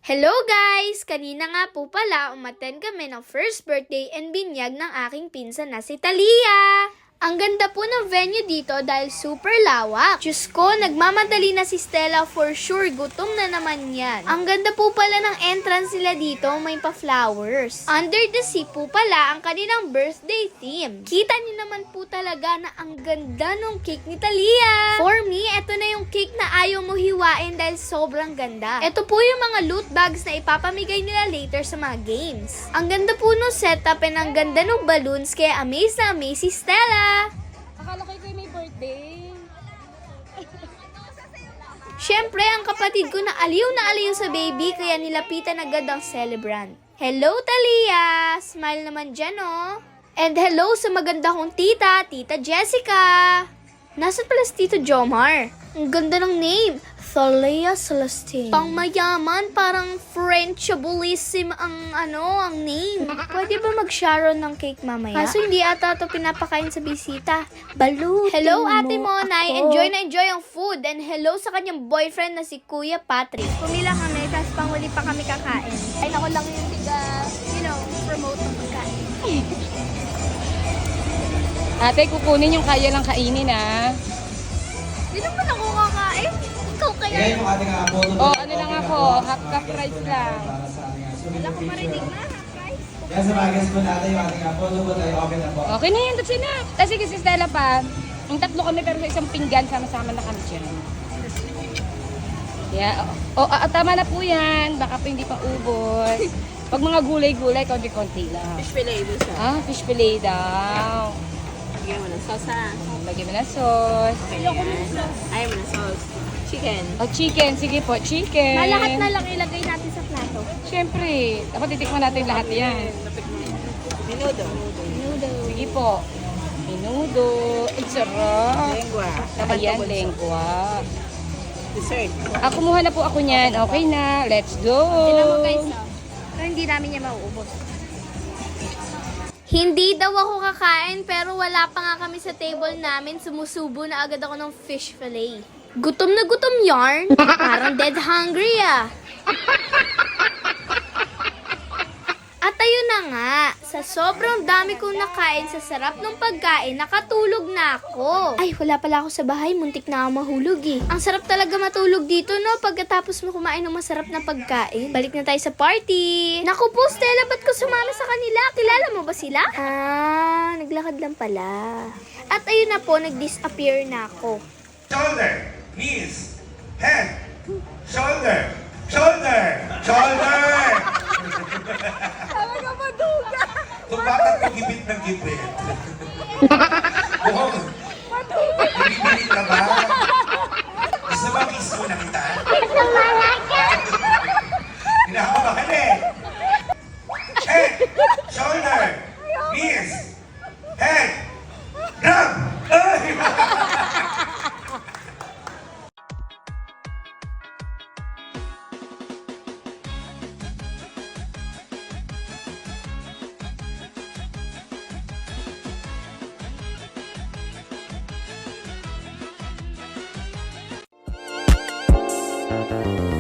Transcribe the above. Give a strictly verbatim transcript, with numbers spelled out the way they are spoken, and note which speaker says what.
Speaker 1: Hello guys! Kanina nga po pala umattend kami ng first birthday and binyag ng aking pinsan na si Talia. Ang ganda po ng venue dito dahil super lawak. Diyos ko, nagmamadali na si Stella for sure. Gutom na naman yan. Ang ganda po pala ng entrance nila dito, may pa-flowers. Under the sea po pala ang kanilang birthday theme. Kita niyo naman po talaga na ang ganda ng cake ni Talia. For me, eto na yung cake na ayaw mo hiwain dahil sobrang ganda. Eto po yung mga loot bags na ipapamigay nila later sa mga games. Ang ganda po ng setup and ang ganda ng balloons kaya amaze na amaze si Stella.
Speaker 2: Akala ko ikaw may birthday.
Speaker 1: Siyempre, ang kapatid ko na aliw na aliw sa baby kaya nilapitan agad ang celebrant. Hello, Talia! Smile naman dyan, oh. And hello sa maganda kong tita, Tita Jessica. Nasaan pala si Tito Jomar? Ang ganda ng name. Thalia Celestine. Pang mayaman, parang Frenchabilissim ang ano, ang name. Pwede ba mag-sharon ng cake mamaya? Kaso hindi ata ito pinapakain sa bisita. Balutin Hello, Ate Monay. Ako. Enjoy na enjoy ang food. And hello sa kanyang boyfriend na si Kuya Patrick. Pumila kami, tapos panghuli pa kami kakain. Ay, ako lang yung tiga, you know, promote ng pagkain.
Speaker 2: Ate, kukunin yung kaya lang kainin, ha?
Speaker 1: Di naman ako kakain. Ikaw kaya.
Speaker 3: Kaya yung ating uh, photo
Speaker 2: Oh, ano lang ako, half cup rice lang.
Speaker 1: Wala ko marinig na, half price.
Speaker 3: Yan sa bagas po natin yung ating uh, photo booth ay open na po.
Speaker 2: Okay na yun, that's enough. Kasi kasi Stella pa, yung tatlo kami pero sa isang pinggan, sama-sama na kami dyan. Yeah, oh, oh, tama na po yan. Baka po hindi pa ubos. Pag mga gulay-gulay, konti-konti lang.
Speaker 4: Fish fillet mo siya.
Speaker 2: Ah, fish fillet daw.
Speaker 4: Lagyan mo ng sauce ha.
Speaker 2: Lagyan mo na sauce.
Speaker 4: Ayoko ng sauce. Ayaw mo ng sauce. Chicken.
Speaker 2: Oh, chicken. Sige po, chicken.
Speaker 1: Malahat na lang ilagay natin sa plato.
Speaker 2: Siyempre, dapat titikman natin lahat yan.
Speaker 4: Menudo.
Speaker 2: Sige po. Menudo. Ang sarap.
Speaker 4: Lengua.
Speaker 2: Ayan, lengua.
Speaker 4: Dessert.
Speaker 2: Ah, kumuha na po ako niyan. Okay na. Let's go.
Speaker 1: Tignan mo guys, no? Pero hindi namin niya mauubos. Hindi daw ako kakain pero wala pa nga kami sa table namin. Sumusubo na agad ako ng fish fillet. Gutom na gutom yarn. Parang dead hungry ah. At ayun na nga, sa sobrang dami kong nakain sa sarap ng pagkain, nakatulog na ako. Ay, wala pala ako sa bahay, muntik na ako mahulog eh. Ang sarap talaga matulog dito, no? Pagkatapos mo kumain ng masarap na pagkain. Balik na tayo sa party. Naku po, Stella, ba't ko sumama sa kanila? Kilala mo ba sila? Ah, naglakad lang pala. At ayun na po, nag-disappear na ako.
Speaker 5: Shoulder, knees, head, shoulder, shoulder, shoulder.
Speaker 4: Talaga maduga.
Speaker 5: Kung bakit ko gipit ng gipit? Mukhang, bibili ka ba? Gusto ba kiss mo na kita? Kinakabahan eh. Head, shoulder, knees, head, grab! Ay!
Speaker 3: Thank you.